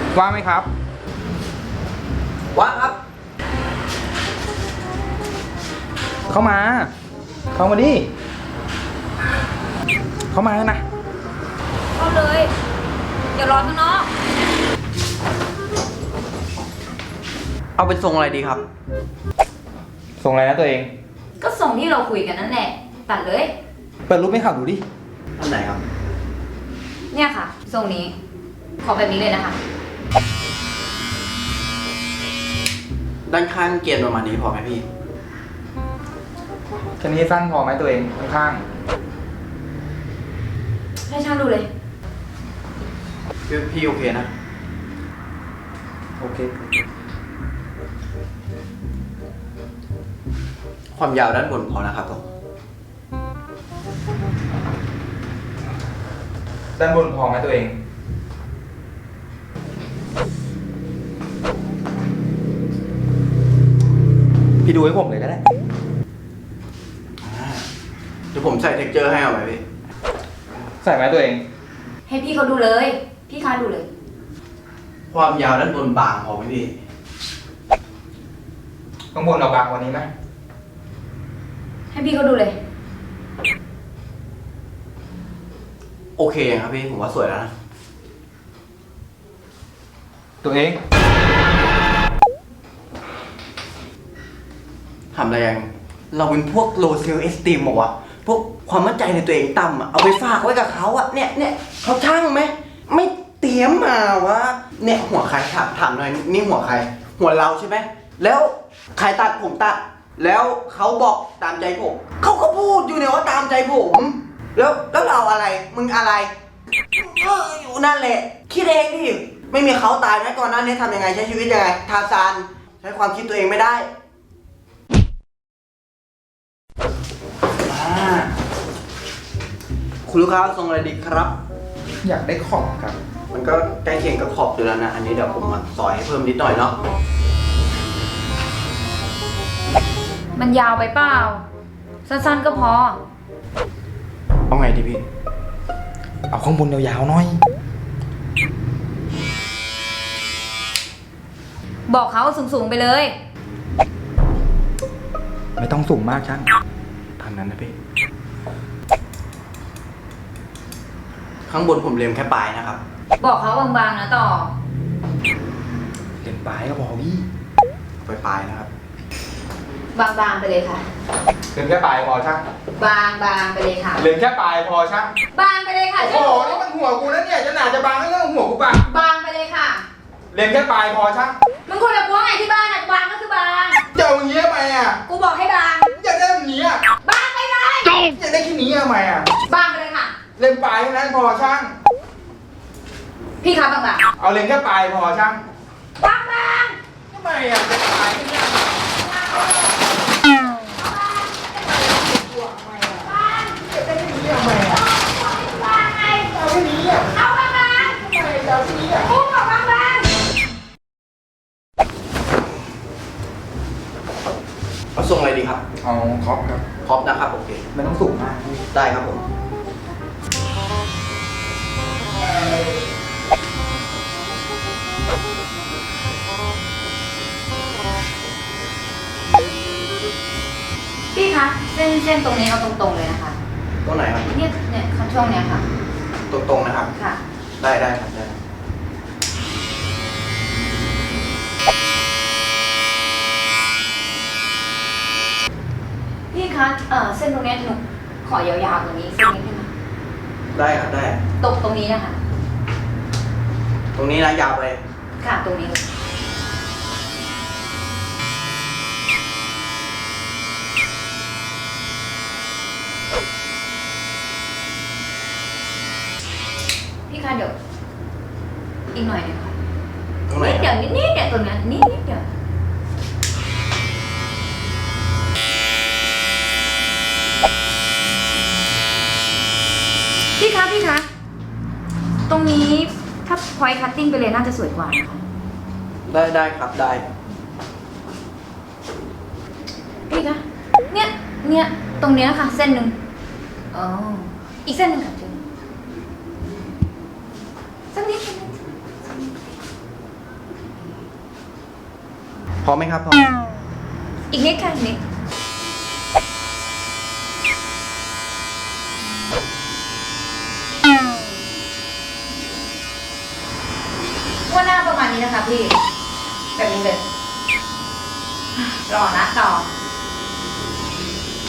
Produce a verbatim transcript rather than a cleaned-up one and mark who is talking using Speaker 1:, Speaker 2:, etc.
Speaker 1: ว่างไหมครับ
Speaker 2: ว่างครับ
Speaker 1: เข้ามาเข้ามาดิเข้ามานะ
Speaker 3: เข้าเลยอย่ารอข้างนอก
Speaker 2: เอาเป็นทรงอะไรดีครับ
Speaker 1: ส่งอะไรนะตัวเอง
Speaker 3: ก็ส่งที่เราคุยกันนั่นแหละตัดเลย
Speaker 1: เปิดรูปให้ข่าวดูดิ
Speaker 2: อันไหนครับ
Speaker 3: เนี่ยค่ะทรงนี้ขอแบบนี้เลยนะคะ
Speaker 2: ด้านข้างเกรียนประมาณนี้พอไหมพี่
Speaker 1: แค่นี้สั้นพอไหมตัวเองข้าง
Speaker 3: ให้ช่างดูเลย
Speaker 2: พี่พี่โอเคนะ
Speaker 1: โอเค
Speaker 2: ความยาวด้านบนพอนะครับผม
Speaker 1: ด้านบนพอไหมตัวเองพี่ดูให้ผมเลยก็ได้
Speaker 2: เดี๋ยวผมใส่เท็กเจอร์ให้เอาไหมพี่
Speaker 1: ใส่ไหมตัวเอง
Speaker 3: ให้พี่เขาดูเลยพี่ค้าดูเลย
Speaker 2: ความยาวด้านบนบางพอไหมพี่
Speaker 1: ข้างบนเราบางกว่านี้ไหม
Speaker 3: ให้พี่เขาดูเลย
Speaker 2: โอเคครับพี่ผมว่าสวยแล้วนะ
Speaker 1: ตัวเอง
Speaker 2: ทำอะไรยังเราเป็นพวก low self esteem บอกว่าพวกความมั่นใจในตัวเองต่ำอ่ะเอาไปฝากไว้กับเขาอ่ะเนี่ยเนี่ยเขาช่างไหมไม่เตรียมมาวะเนี่ยหัวใครถามถามหน่อยนี่หัวใครหัวเราใช่ไหมแล้วใครตัดผมตัดแล้วเขาบอกตามใจผมเขาก็พูดอยู่เนี่ยว่าตามใจผมแล้วแล้วเราอะไรมึงอะไรเอออยู่นั่นแหละคิดเองดิไม่มีเขาตายไหมก่อนหน้านี้ทำยังไงใช้ชีวิตยังไงทาซานใช้ความคิดตัวเองไม่ได้คุณลูกค้าทรงอะไรดีครับ
Speaker 1: อยากได้ขอบครับ
Speaker 2: มันก็ใกล้เคียงกับขอบอยู่แล้วนะอันนี้เดี๋ยวผมมาซอยให้เพิ่มนิดหน่อยเนาะ
Speaker 3: มันยาวไปเปล่าสั้นๆก็พอ
Speaker 2: เอาไงดีพี่
Speaker 1: เอาข้างบนยาวๆหน่อย
Speaker 3: บอกเขาสูงๆไปเลย
Speaker 1: ไม่ต้องสูงมากช่าง
Speaker 2: ทางนั้นนะพี่ข้างบนผมเล็มแค่ปลายนะครับ
Speaker 3: บอกเขาบางๆนะต่อ
Speaker 1: เล็มปลายก็พอพี่
Speaker 2: ปลายปลายนะครับ
Speaker 3: บางๆไปเลยค่ะ
Speaker 1: เล็มแค่ปลายพอช่าง
Speaker 3: บางๆไปเลยค่ะ
Speaker 1: เล็มแค่ปลายพอช่าง
Speaker 3: บางไปเลยค่ะ
Speaker 1: โอ้โหนี่มันหัวกูนะเนี่ยจะหนาจะบางก็เรื่องหัวกูปะ
Speaker 3: บางไปเลยค่ะ
Speaker 1: เล็มแค่ปลายพอช่าง
Speaker 3: มึงคนละพวงไงที่บ้านอะบางก็คือบาง
Speaker 1: จะเอาอย่างนี้ทำไมอ่ะ
Speaker 3: กูบอกให้บาง
Speaker 1: อยากได้แบบนี้อ่ะ
Speaker 3: บางไปเลย
Speaker 1: อยากได้แค่นี้ทำไมอ่ะ
Speaker 3: บางไปเลยค่ะ
Speaker 1: เล็มปลายเท่านั้นพอช่าง
Speaker 3: พี่ครับบางๆ
Speaker 1: เอาเล็มแค่ปลายพอช่าง
Speaker 3: บาง
Speaker 1: ๆทำไมอ่ะเล็มปลายแค่นี้
Speaker 2: เอาทรงอะไรดีครับ
Speaker 1: เอาครอปครับ
Speaker 2: ครอปนะครับโอเค
Speaker 1: ไม่ต้องสูงมาก
Speaker 2: ได้ครับผม
Speaker 3: พี่คะเส้นเส้นตรงนี้เอาตรงๆเลยนะคะ
Speaker 2: ตรงไหนครับ
Speaker 3: เนี่ยเนี่ยช่วงเนี้ยค่ะ
Speaker 2: ตรงๆนะครับ
Speaker 3: ค่ะ
Speaker 2: ได้ได้ครับได้
Speaker 3: พี่คะเออเส้นตรงนี้หนูขอยาวๆตรงนี้เส้นนี้ได้ไหม
Speaker 2: ได้ครับได้
Speaker 3: ตรงตรงนี้นะคะ
Speaker 2: ตรงนี้นะยาวไป
Speaker 3: ค่ะตรงนี้พี่คะเดี๋ยวอีกหน่อยนึงค่ะนิดเดียวนิดนิดเดียวตรงนี้นิดนิดเดียวพี่คะพี่คะตรงนี้ถ้าพอยคัตติ้งไปเลยน่าจะสวยกว่านะคะ
Speaker 2: ได้ได้ครับได้
Speaker 3: พี่คะเนี่ยเนี่ยตรงเนี้ยค่ะเส้นหนึ่งอ๋ออีกเส้นหนึ่งค่ะเจนสักนิด
Speaker 2: อไหมครับพอ
Speaker 3: อีกนิดค่ะอีกนิดว่าหน้าประมาณนี้นะคะพี่ แบบนี้เลย รอนะต่อ